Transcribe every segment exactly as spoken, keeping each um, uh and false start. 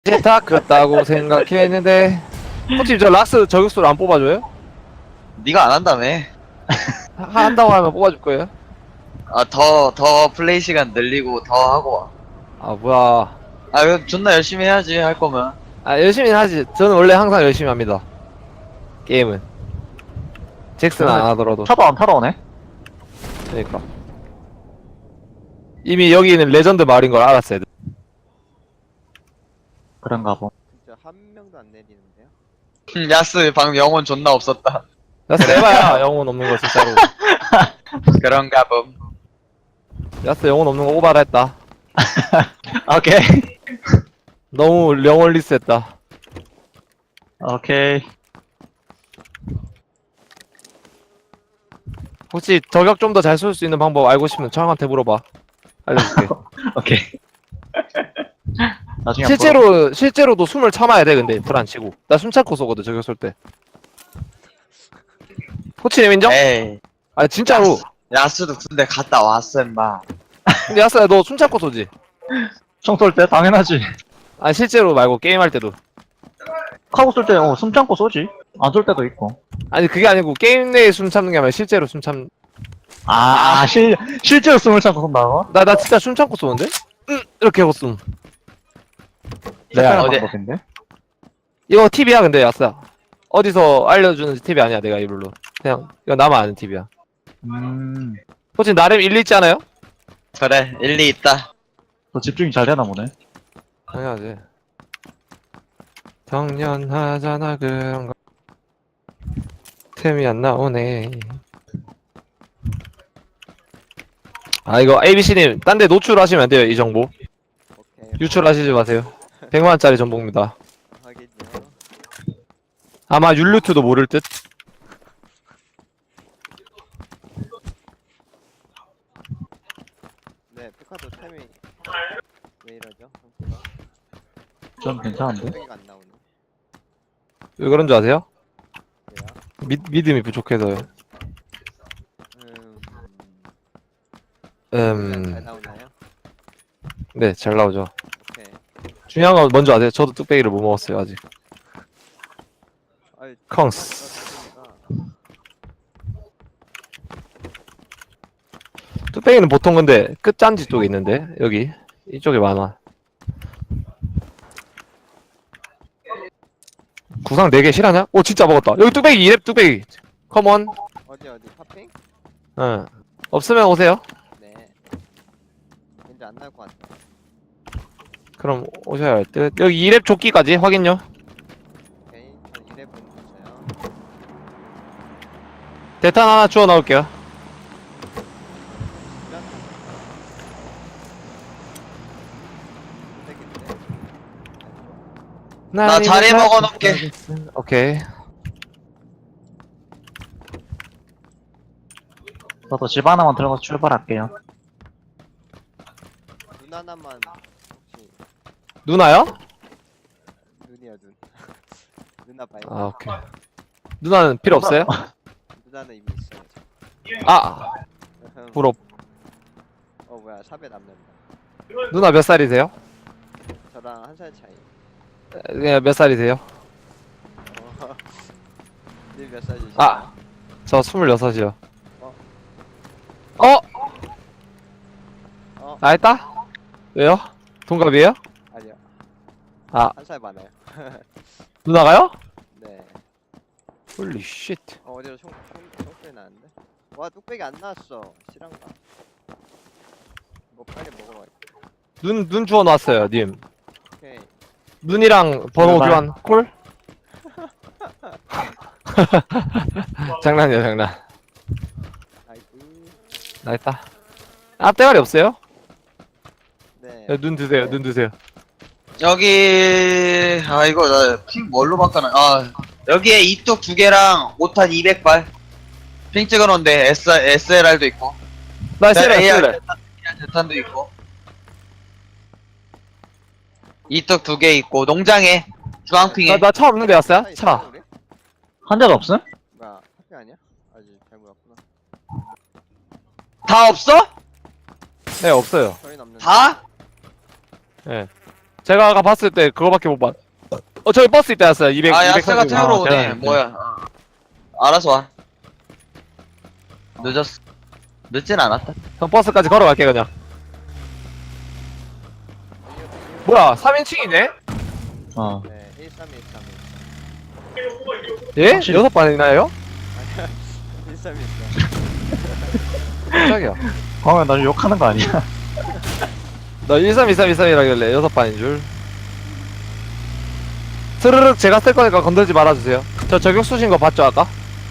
이제 다 컸다고 생각했는데 혹시 저 라스 저격수를 안 뽑아줘요? 네가 안 한다며. 하, 한다고 하면 뽑아줄 거예요? 아, 더, 더 플레이 시간 늘리고 더 하고 와. 아 뭐야. 아, 그럼 존나 열심히 해야지, 할 거면. 아 열심히 하지. 저는 원래 항상 열심히 합니다. 게임은 잭슨 안 하더라도. 차도 안 타러 오네? 그러니까 이미 여기는 레전드 마을인 걸 알았어요. 그런가 보. 진짜 한 명도 안 내리는데요? 음, 야스, 방금 영혼 존나 없었다. 야스 해봐야 영혼 없는 거 진짜로. 그런가 봄. 야스 영혼 없는 거 오바라 했다. 오케이. 너무 영혼리스 했다. 오케이. 혹시 저격 좀 더 잘 쏠 수 있는 방법 알고 싶으면 저한테 물어봐. 알려줄게. 오케이. 나중에 실제로 실제로도 숨을 참아야 돼. 근데 불 안 치고 나 숨 참고 쏘거든 저격 쏠 때. 코치님 인정? 에이. 아 진짜로. 야스도 군대 갔다 왔어, 임마. 근데 야스야 너 숨 참고 쏘지? 총쏠 때 당연하지. 아 실제로 말고 게임할 때도. 카고 쏠 때, 어, 숨 참고 쏘지. 안 쏠 때도 있고. 아니 그게 아니고 게임 내에 숨 참는 게 아니라 실제로 숨 참. 아, 실, 실제로 숨을 참고 쏜다고? 나 나 진짜 숨 참고 쏘는데? 응 이렇게 하고 숨. 네, 내가 어디- 방법인데? 이거 팁이야 근데 야스야. 어디서 알려주는 팁이 아니야 내가 이걸로. 그냥 이거 나만 아는 팁이야. 음, 코치 나름 일리 있지 않아요? 그래, 일리 있다. 너 집중이 잘 되나 보네. 당연하지. 당연하잖아 그런 거. 템이 안 나오네. 아 이거 에이비씨님 딴 데 노출하시면 안 돼요 이 정보. 오케이. 유출하시지 마세요. 백만원짜리 정보입니다. 하겠죠. 아마 율루트도 모를 듯. 네, 피카도 템이 왜 이러죠? 상태가? 좀 괜찮은데? 뚝배기가 안 나오네. 왜 그런 줄 아세요? 왜요? 미, 믿음이 부족해서요. 음... 음, 잘 나오나요? 네, 잘 나오죠. 오케이. 중요한 건 뭔지 아세요? 저도 뚝배기를 못 먹었어요, 아직. 아이, 컹스. 뚝배기가 뚝배기는 보통 근데 끝잔지 쪽에 있는데, 여기. 이쪽에 많아. 구상 네 개 실하냐? 오, 진짜 먹었다. 여기 뚝배기, 이랩 뚝배기. 컴온. 어디 어디 파핑? 응. 없으면 오세요. 네. 왠지 안 나올 것 같아. 그럼 오셔야 할 듯. 여기 이랩 조끼까지 확인요. 오케이. 전 이랩은 있어요. 대탄 하나 주워 넣을게요. 뚝배기인데. 나 자리 먹어놓을게. 오케이. 저도 집 하나만 들어가서 출발할게요. 눈 하나만 혹시 누나요? 눈이야 눈. 누나 봐요. 아, 오케이. 누나는 필요 없어요? 누나는 이미 있어요. 아, 부럽. 어 뭐야 샵에 남는다. 누나 몇 살이세요? 저랑 한 살 차이. 네, 몇 살이세요? 어. 님몇 살이시죠? 아, 저 스물여섯이요. 어? 어? 어? 알다? 왜요? 동갑이에요? 아니요. 아, 한 살 많아요. 누나가요? 네. 홀리 쉣. 어 어디로 총, 총, 총소리 나는데? 와 뚝배기 안 나왔어. 실한가? 뭐 빨리 먹어봐야겠다. 눈, 눈 주워 놨어요, 님. 오케이. 눈이랑 번호 제발. 교환, 콜? 장난이야, 장난. 아이고. 나있다. 앞대가리 없어요? 네. 야, 눈 드세요, 눈 드세요. 여기, 아, 이거, 나, 핑 뭘로 바꿔놔. 아, 여기에 이뚝 두 개랑 오탄 이백 발. 핑 찍어놓은데, S, 에스엘알도 있고. 나 쓰래, 에이알 쓰래. 대탄도 있고. 이뚝 두 개 있고, 농장에, 주황핑에. 나, 나 차 없는데 왔어요? 있어요, 차. 우리? 한 대도 없음? 뭐야 파핑 아니야? 아직 잘못 왔구나. 다 없어? 네, 없어요. 저희는 없는데. 다? 예. 제가 아까 봤을 때 그거밖에 못 봤. 어 저기 버스 있다 였어요. 이백. 아 야스가 이백삼십. 태우러 아, 오네. 대단해. 뭐야? 어. 알아서 와. 늦었어. 늦진 않았다. 형 버스까지 걸어갈게 그냥. 뭐야 삼 인칭이네? 어. 네, 일삼일삼. 예? 확실히. 여섯 반이나요? 일삼일삼. 깜짝이야. 광호야, 나 욕하는 거 아니야? 나 일삼이삼이삼이라길래 여섯 반인 줄. 스르륵 제가 쓸 거니까 건들지 말아주세요. 저 저격 쏘신 거 봤죠 아까?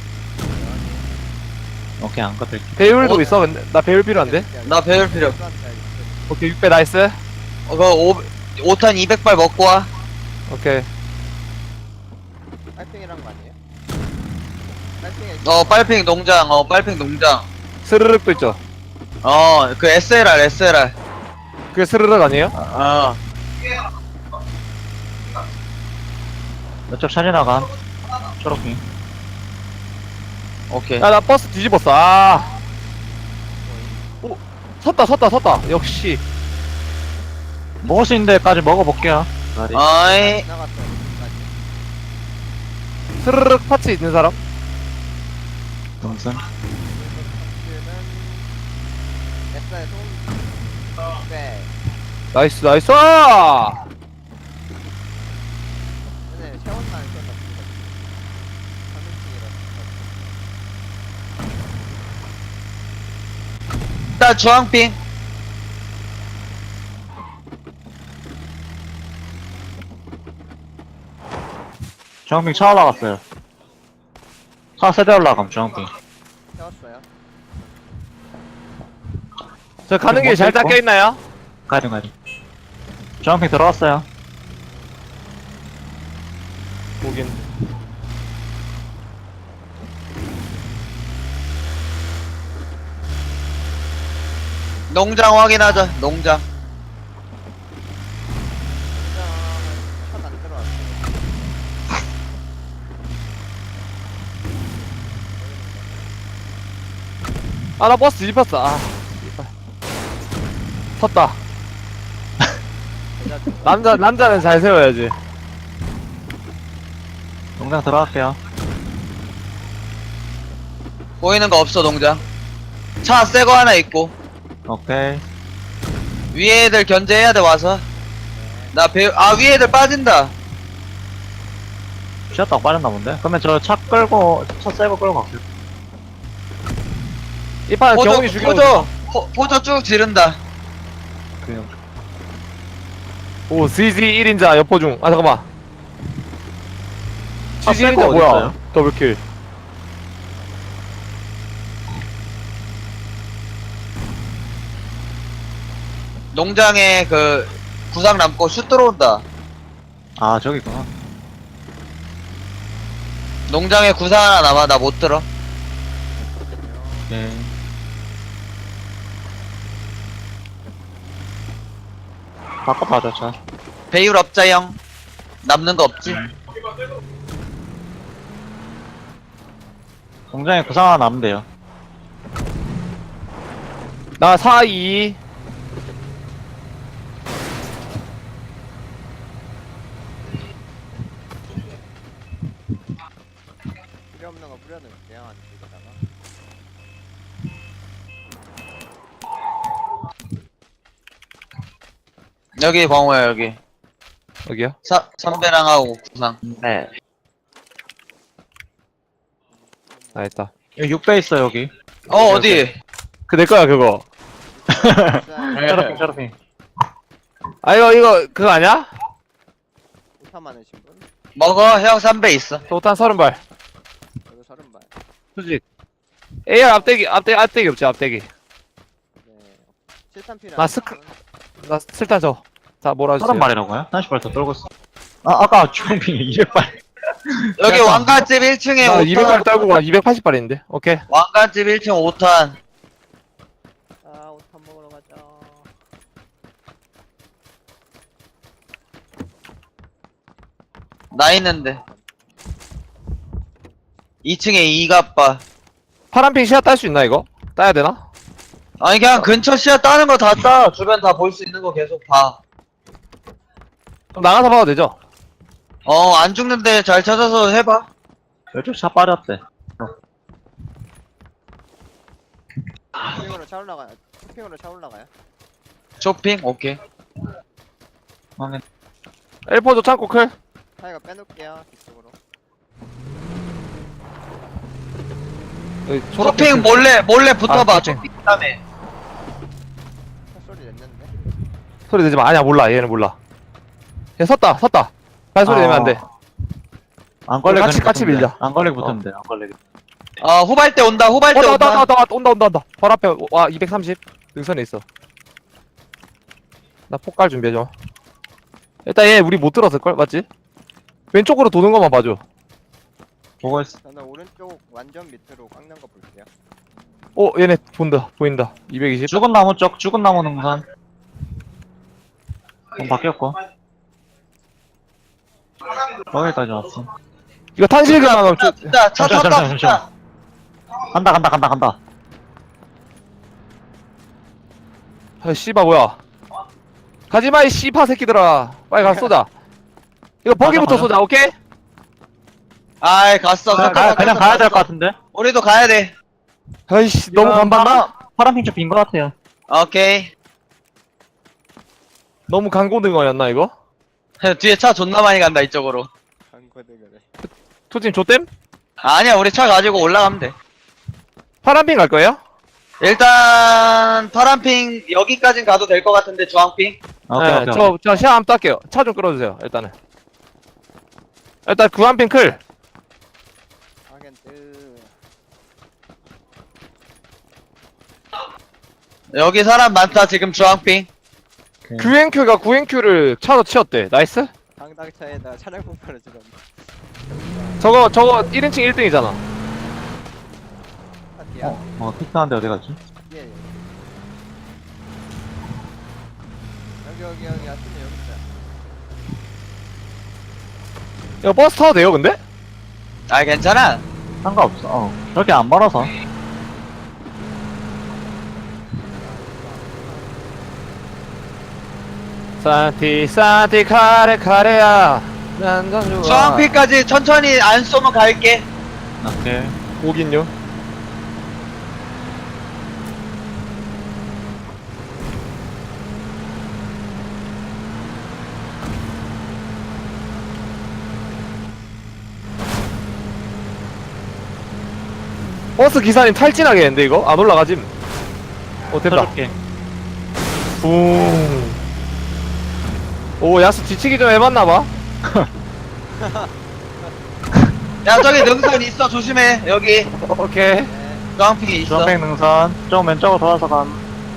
오케이, 안 건들게. 배율도 어? 있어 근데 나 배율 필요한데? 나 배울 필요. 오케이 육 배 나이스. 어, 그거 오, 오 탄 이백 발 먹고 와. 오케이. 빨팽이란 거 아니에요? 빨팽이. 어, 빨핑 농장. 어, 빨핑 농장. 스르륵도 있죠. 어, 그 에스엘알, 에스엘알. 그게 스르륵 아니에요? 어. 몇쪽 차례 나감. 초록핑. 오케이. 야 나 버스 뒤집었어. 아. 오 섰다 섰다 섰다. 역시. 먹을 수 있는 데까지 먹어볼게요. 다리. 어이. 나갔어요. 끝까지. 스르륵 파츠 있는 사람? 동선. 파츠는 에스아이 송. 네. 나이스 나이스. 아! 네, 샤워는 안 썼나 보다. 일단 주황핑. 주황핑 차 올라갔어요. 차 세대 올라감, 주황핑. 샤웠어요. 저 가는 길 먼저 잘 있고. 닦여 있나요? 가야돼, 가야돼. 주황핑 들어왔어요. 보긴. 농장 확인하자. 농장. 차도 안 들어왔어요. 아 나 버스 뒤집혔어. 아. 씨발. 섰다. 남자 남자는 잘 세워야지. 농장 들어갈게요. 보이는 거 없어, 농장. 차 새 거 하나 있고. 오케이. 위에 애들 견제해야 돼, 와서. 나 배, 아, 위에 애들 빠진다. 쉬었다고 빠졌나 본데? 그러면 저 차 끌고, 차 새거 끌고 갈게요. 이판 포조, 경훈이 죽여. 포조, 포, 포조 쭉 지른다. 그냥. 오 씨지 일 인자 여포 중. 아 잠깐만. 아, 씨지 일 새거 인자 어디 뭐야? 있어요? 더블킬. 농장에 그, 구상 남고 슛 들어온다. 아, 저기 있구나. 농장에 구상 하나 남아, 나 못 들어. 오케이. 바꿔 봐줘, 차. 배율 없자, 형. 남는 거 없지? 공장에 구상 하나 남으면 돼요. 나 사 이. 필요 없는 거 뿌려놓을게요. 안쪽에다가. 여기 광호야, 여기. 여기요? 사, 선배랑 하고 구상. 네. 아 있다. 여기 육 배 있어, 여기. 어, 어디? 그 내 거야 그거. 네. 쇼핑, 쇼핑. 아 이거 이거 그거 아니야? 우타 많으신 분? 먹어, 형 삼 배 있어. 도탄 서른 발. 저도 서른 발. 수직. 에이알 앞대기 앞대 앞대기 없지 앞대기. 네. 실탄 필요. 나 스크- 나 실탄 줘. 자 몰아주세요. 서른 발이라고요? 삼십 발 더 떨고 있어. 아, 아까 주황핑이 이백 발. 여기 약간- 왕관집 일 층에 나 오 탄. 이백 발 떨고 가 이백팔십 발인데. 오케이. 왕관집 일 층 오 탄. 아, 우타 먹으러 가자. 나 있는데. 이 층에 이갑바. 파란핑 시야 딸 수 있나 이거? 따야 되나? 아니, 그냥 근처 시야 따는 거 다 따. 주변 다 볼 수 있는 거 계속 봐. 그럼 나가서 봐도 되죠? 어, 안 죽는데 잘 찾아서 해봐. 이쪽 차 빠졌대. 쇼핑으로 차 올라가요. 쇼핑으로 차 올라가요. 쇼핑? 오케이. 확인. 엘포도 창고 클. 타이가 빼놓을게요. 뒤쪽으로. 여기 초록색 쇼핑 클. 몰래, 몰래 붙어봐. 아, 쇼핑 다음에. 차 소리 냈는데. 소리 내지 마. 아니야, 몰라. 얘는 몰라. 얘 섰다, 섰다. 발소리 아. 내면 안 돼. 안 걸리게 같이- 그냥 같이 붙으면 돼. 밀자. 안 걸리게 붙으면 돼. 안 걸리게. 어, 후발대 온다, 후발대 온다, 온다. 온다, 온다, 온다, 온다, 온다, 온다. 바로 앞에, 와, 이백삼십. 능선에 있어. 나 폭갈 준비해줘. 일단 얘 우리 못 들었을걸? 맞지? 왼쪽으로 도는 것만 봐줘. 보고 있어. 저는 오른쪽 완전 밑으로 깎는 거 볼게요. 어, 얘네 본다. 보인다. 이백이십. 죽은 나무 쪽, 죽은 나무 능선. 좀 바뀌었고. 거기까지 왔어. 이거 탄실기만 하면 차, 좀, 차, 차 잠시만, 탔다, 잠시만, 차. 간다, 간다, 간다, 간다. 아, 씨바, 뭐야. 가지마, 이 씨파 새끼들아. 빨리 가서 쏘자. 이거 버기부터 맞아, 맞아. 쏘자, 오케이? 아이, 갔어. 그냥, 갔어, 가, 그냥 갔어, 가야 될 갔어. 것 같은데? 우리도 가야 돼. 아이씨, 너무 간봤나? 파란 핑크 빈것 같아요. 오케이. 너무 강고등어였나, 이거? 뒤에 차 존나 많이 간다, 이쪽으로. 강거대가래. 토팀 조땜? 아니야, 우리 차 가지고 올라가면 돼. 파란핑 갈 거예요? 일단, 파란핑, 여기까진 가도 될 것 같은데, 주황핑? 오케이, 네, 오케이. 저, 저 시야 한번 딸게요. 차 좀 끌어주세요, 일단은. 일단 구한핑 클. 하겐 뜨. 여기 사람 많다, 지금 주황핑. 오케이. 규행큐가 구행큐를 차로 치웠대. 나이스? 당당차에다 차량 폭발을 지금. 저거, 저거 일 인칭 일 등이잖아. 아, 뒤야. 어, 어, 피크하는데 어디 갔지? 예, 예. 여기, 여기, 여기, 아침에 여기 있다. 이거 버스 타도 돼요, 근데? 아, 괜찮아. 상관없어. 어. 저렇게 안 멀어서. 산티, 산티, 카레, 카레야. 난전 좋아. 주황핑까지 천천히 안 쏘면 갈게. 오케이. 오긴요. 버스 기사님 탈진하겠는데 이거? 안 올라가짐. 어 됐다. 쳐줄게. 붕. 오 야수 뒤치기 좀 해봤나봐. 야, 저기 능선 있어, 조심해. 여기. 오케이. 네. 주황핑이 있어. 주황색 능선. 좀 왼쪽으로 돌아서 감.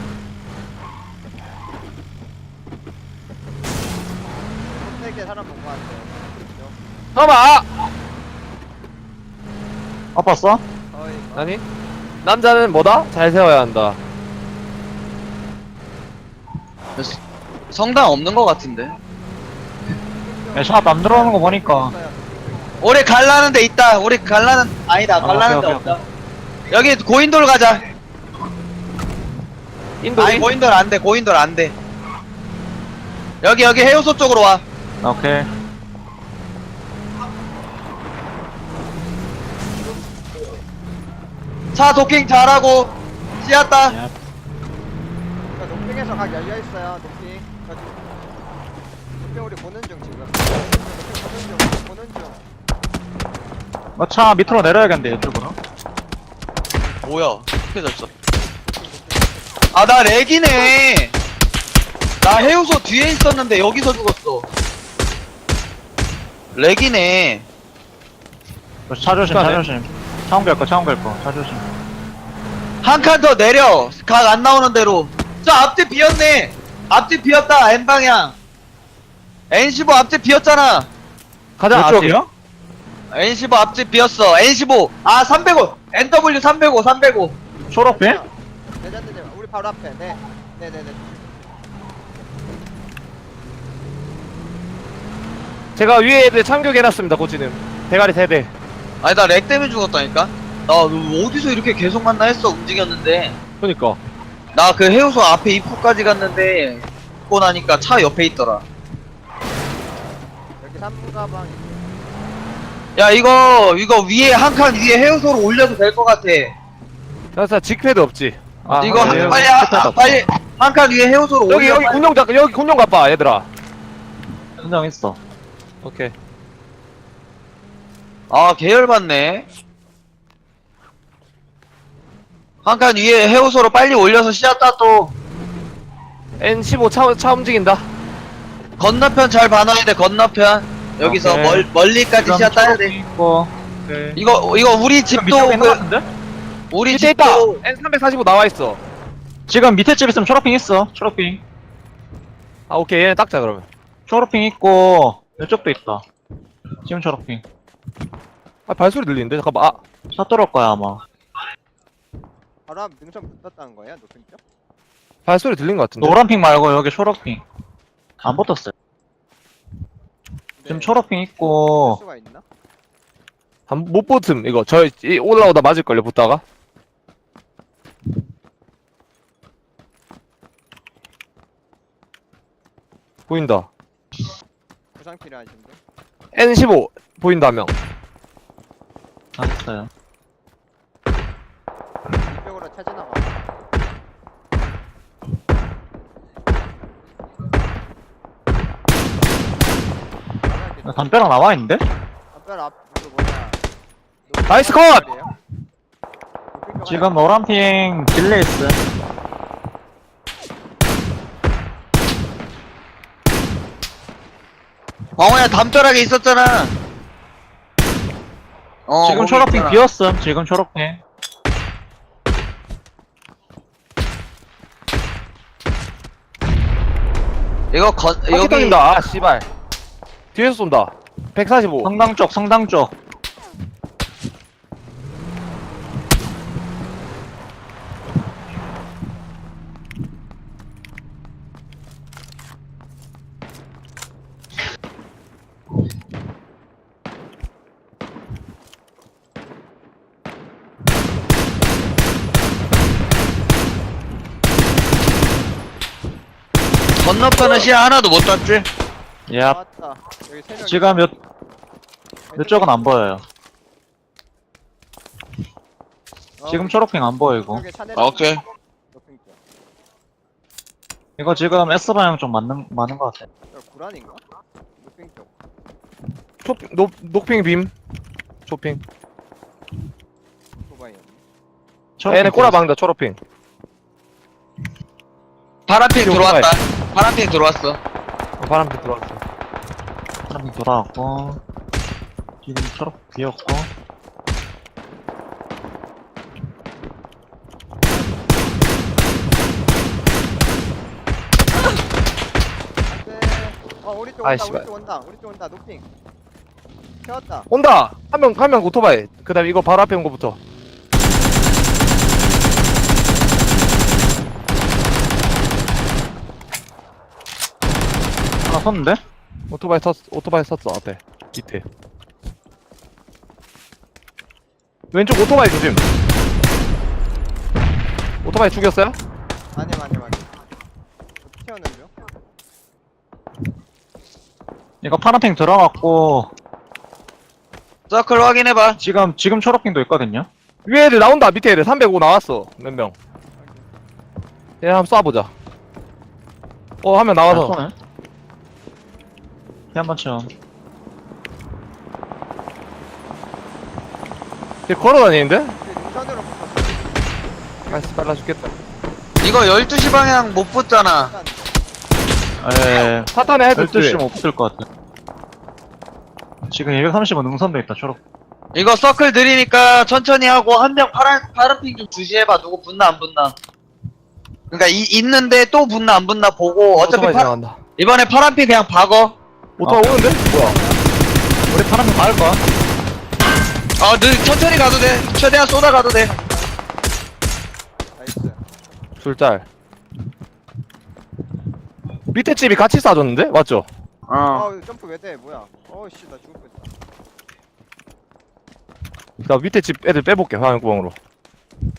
세개 사람 본거 같아요. 봐봐. 아팠어? 거의. 아니 남자는 뭐다? 잘 세워야 한다. 성당 없는 것 같은데. 야, 샷안 들어오는 거 보니까. 우리 갈라는 데 있다. 우리 갈라는, 아니다. 아, 갈라는 데 오케이, 없다. 여기 고인돌 가자. 인도. 아니, 고인돌 안 돼. 고인돌 안 돼. 여기, 여기 해우소 쪽으로 와. 오케이. 차 도킹 잘하고. 씨앗다. 예. 저 녹빙에서 각 열려 있어요. 녹빙. 저 지금- 녹빙 우리 보는 중 지금. 녹빙 보는 중. 보는 중. 어, 차 밑으로 내려야겠는데, 이쪽으로. 뭐야? 어떻게 됐어? 아, 나 렉이네. 나 해우소 뒤에 있었는데 여기서 죽었어. 렉이네. 어, 차 조심, 차 그러네. 조심. 차원 갈 거, 차원 갈 거. 차 조심. 한 칸 더 내려. 각 안 나오는 대로. 저 앞뒤 비었네. 앞뒤 비었다. N방향. 엔 십오 앞뒤 비었잖아. 가자. 이쪽이요? 엔 십오 앞뒤 비었어. 엔 십오. 아, 삼백오. 엔더블유 삼백오, 삼백오. 초록빛? 레전드님 우리 바로 앞에. 네. 네, 네, 네. 제가 위에 애들 참교해놨습니다. 고치는 대가리 세대. 아니, 나 렉 때문에 죽었다니까? 나 어디서 이렇게 계속 만나 했어, 움직였는데. 그니까. 나 그 해우소 앞에 입구까지 갔는데, 죽고 나니까 차 옆에 있더라. 삼 가방. 야 이거 이거 위에 한 칸 위에 해우소로 올려도 될 것 같아. 나 직패드 없지. 아, 이거 한- 한- 네, 빨리 스타트 아, 없어. 빨리 한 칸 위에 해우소로 여기 올려. 여기 군용 자 여기 군용 가봐 얘들아. 현장했어. 오케이. 아 계열받네. 한 칸 위에 해우소로 빨리 올려서 시작다 또 엔 십오 차, 차 움직인다. 건너편 잘 봐놔야 돼. 건너편 여기서 오케이. 멀, 멀리까지 지금 시야 따야 돼. 초록핑 있고. 오케이. 이거 이거 우리 지금 집도 밑에 있는 거 그, 같은데? 우리 밑에 있다. 집도 엔 삼백사십오 나와 있어. 지금 밑에 집 있으면 초록핑 있어. 초록핑. 아 오케이 얘네 닦자 그러면. 초록핑 있고 이쪽도 있다. 지금 초록핑. 아 발소리 들리는데 잠깐만. 아 차 뚫을 거야 아마. 바로 앞 능선 붙었다는 거야 높은 쪽? 발소리 들린 것 같은데. 노란핑 말고 여기 초록핑. 안 붙었어요. 지금 네. 초록핑 할 있고 수가 있나? 한못 붙음 이거 저 이- 올라오다 맞을 걸요 붙다가. 보인다. 부상 필요하신데. 엔 십오 보인다 명. 알았어요. 이쪽으로 차 지나가. 담벼락 나와 있는데? 담벼 앞 그 뭐냐. 나이스 컷! 지금 노란핑 딜레 있어. 광호야 담벼락에 있었잖아. 어, 지금 거기 초록핑 있잖아. 비었음. 지금 초록핑. 이거 건 여기 여기 떨린다. 아 씨발. 뒤에서 쏜다. 백사십오. 성당 쪽, 성당 쪽. 건너편은 시야 하나도 못 땄지. 예. 나왔다. 여기 세 명. 지금 요, 이쪽은 안 보여요. 지금 초록핑 안 보이고. 아, 오케이. 높은 쪽. 이거 지금 S 방향 좀 맞는, 맞는 것 같아. 저 구란인가? 높은 쪽. 초핑 녹 녹핑 빔. 초핑. 도바이였네. 초록핑 얘네 꼬라박는다 초록핑. 파란핑 여기 들어왔다. 파란핑 들어왔어. 어, 바람빛 들어왔어. 사람이 돌아왔고. 지금 초록 비었고. 안돼. 어 우리 쪽 온다. 아이씨, 우리 쪽 온다. 우리 쪽 온다. 높핑. 채웠다. 온다. 한 명 한 명 오토바이. 그다음에 이거 바로 앞에 온 거부터. 하나 섰는데? 오토바이 섰 오토바이 섰어 앞에 밑에. 왼쪽 오토바이 조심. 오토바이 죽였어요? 아니 아니 아니. 채우는 중. 이거 파란핑 들어갔고. 서클 확인해봐. 지금, 지금 초록핑도 있거든요. 위에 애들 나온다. 밑에 애들 삼백오 나왔어. 몇 명. 얘 한번 쏴보자. 어 한 명 나와서. 아, 쏘네. 피 한번 쳐. 걔 걸어다니는데? 그 능선으로 붙었어. 아이씨 빨라 죽겠다. 이거 열두 시 방향 못 붙잖아. 일단 에 사탄에 헤드 열두 시 시 못 붙을 것 같아. 지금 이백삼십오 능선도 있다, 초록. 이거 서클 느리니까 천천히 하고 한 명 파란 파란핑 좀 주시해봐. 누구 붙나 안 붙나. 그러니까 이, 있는데 또 붙나 안 붙나 보고 어차피 오토바이 파, 지나간다. 이번에 파란핑 그냥 박어. 오토바이 오는데? 뭐야? 우리 파란핑 막을 거야. 어, 늘 천천히 가도 돼. 최대한 쏟아 가도 돼. 나이스. 둘짤. 밑에 집이 같이 쏴줬는데? 맞죠? 어. 아 점프 왜 돼? 뭐야? 어씨 나 죽을 뻔했다. 나 밑에 집 애들 빼볼게 화염구멍으로.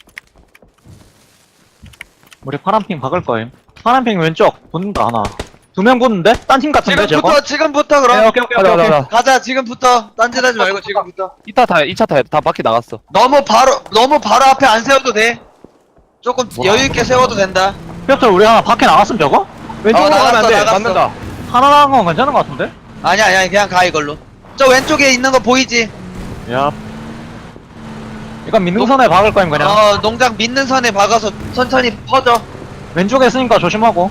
우리 파란핑 박을 거임. 파란핑 왼쪽 붙는다, 하나. 두 명 붙는데? 딴 팀 같은데 저거? 지금부터 지금부터 그럼 네, 오케이 오케이 가자, 오케이 가자, 오케이. 가자. 가자. 지금부터 딴짓하지 말고 지금부터. 이타 타, 이 차 타야 돼. 다 바퀴 나갔어. 너무 바로 너무 바로 앞에 안 세워도 돼. 조금 와, 여유 있게 세워도 된다. 뼈철 우리 하나 밖에 나갔으면 저거? 왼쪽으로 나갔어, 가면 안 돼. 나갔어. 맞는다. 하나 나간 건 괜찮은 것 같은데? 아니야 아니야 그냥 가 이걸로. 저 왼쪽에 있는 거 보이지? 야. 이건 민능선에 박을 거임 그냥. 어 농장 믿는 선에 박아서 천천히 퍼져. 왼쪽에 있으니까 조심하고.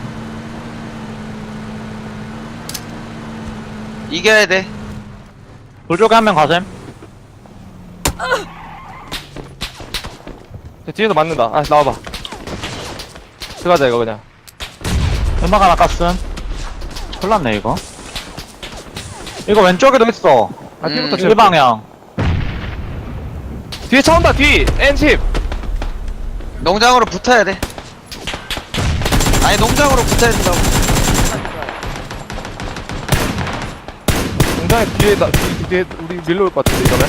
이겨야 돼. 돌쪽에 한 명 가셈. 뒤에서 맞는다. 아, 나와봐. 들어가자, 이거 그냥. 음악 하나 깠음. 큰일 났네 이거. 이거 왼쪽에도 있어. 아, 뒤부터 음, 칠 일방향. 뒤에 차 온다, 뒤! 엔십! 농장으로 붙어야 돼. 아니 농장으로 붙어야 된다고. 공장에 뒤에, 나, 뒤, 뒤에 우리 밀려올 것 같은데, 이러면?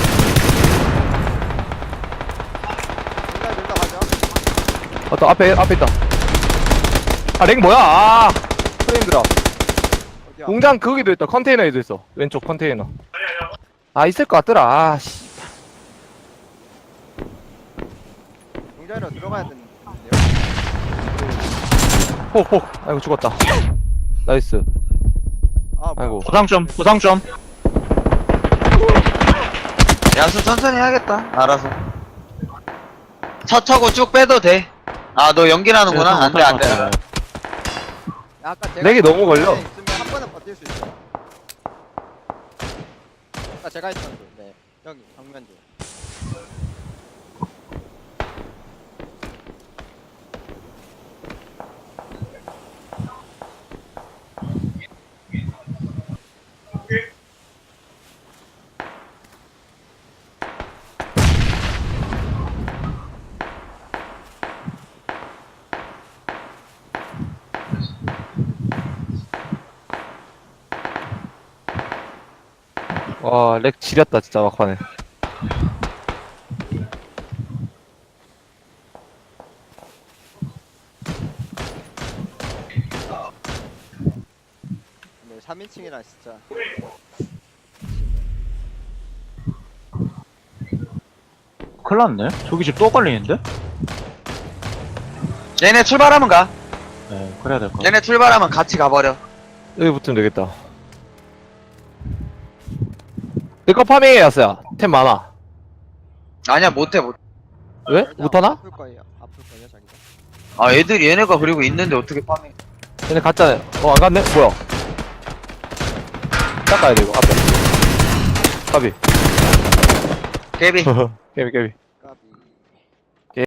일단 일단 가자. 맞다, 앞에, 앞에 있다. 아, 렉 뭐야? 아! 프레임들아. 어디야? 공장 거기도 있다. 컨테이너에도 있어. 왼쪽 컨테이너. 아, 있을 것 같더라. 아, 씨. 공장으로 들어가야 되는데요. 호, 호. 아이고, 죽었다. 나이스. 아, 뭐야. 아이고. 부상 좀, 부상 좀. 야수 천천히 해야겠다. 알아서. 차 타고 쭉 빼도 돼. 아 너 연기나는구나. 안돼 안돼. 야, 아까 제가 렉이 너무 걸려. 있으면 한 번은 버틸 수 있어. 아까 제가 있던 그, 네, 여기 정면 쪽. 와, 렉 지렸다, 진짜, 막판에. 네, 삼 인칭이라 진짜. 큰일 났네. 저기 집 또 걸리는데? 얘네 출발하면 가. 네, 그래야 될 것 같아. 얘네 출발하면 같이 가버려. 여기 붙으면 되겠다. 내거 파밍해, 야스야. 템 많아. 아니야 못해 못. 왜? 못하나? 아플 거예요. 아플 거예요, 자기가. 아 애들이 얘네가 그리고 있는데 어떻게 파밍? 얘네 갔잖아. 어, 안 갔네? 뭐야? 닦아야 돼, 이거, 앞에. 까비. 개비. 깨비, 깨비.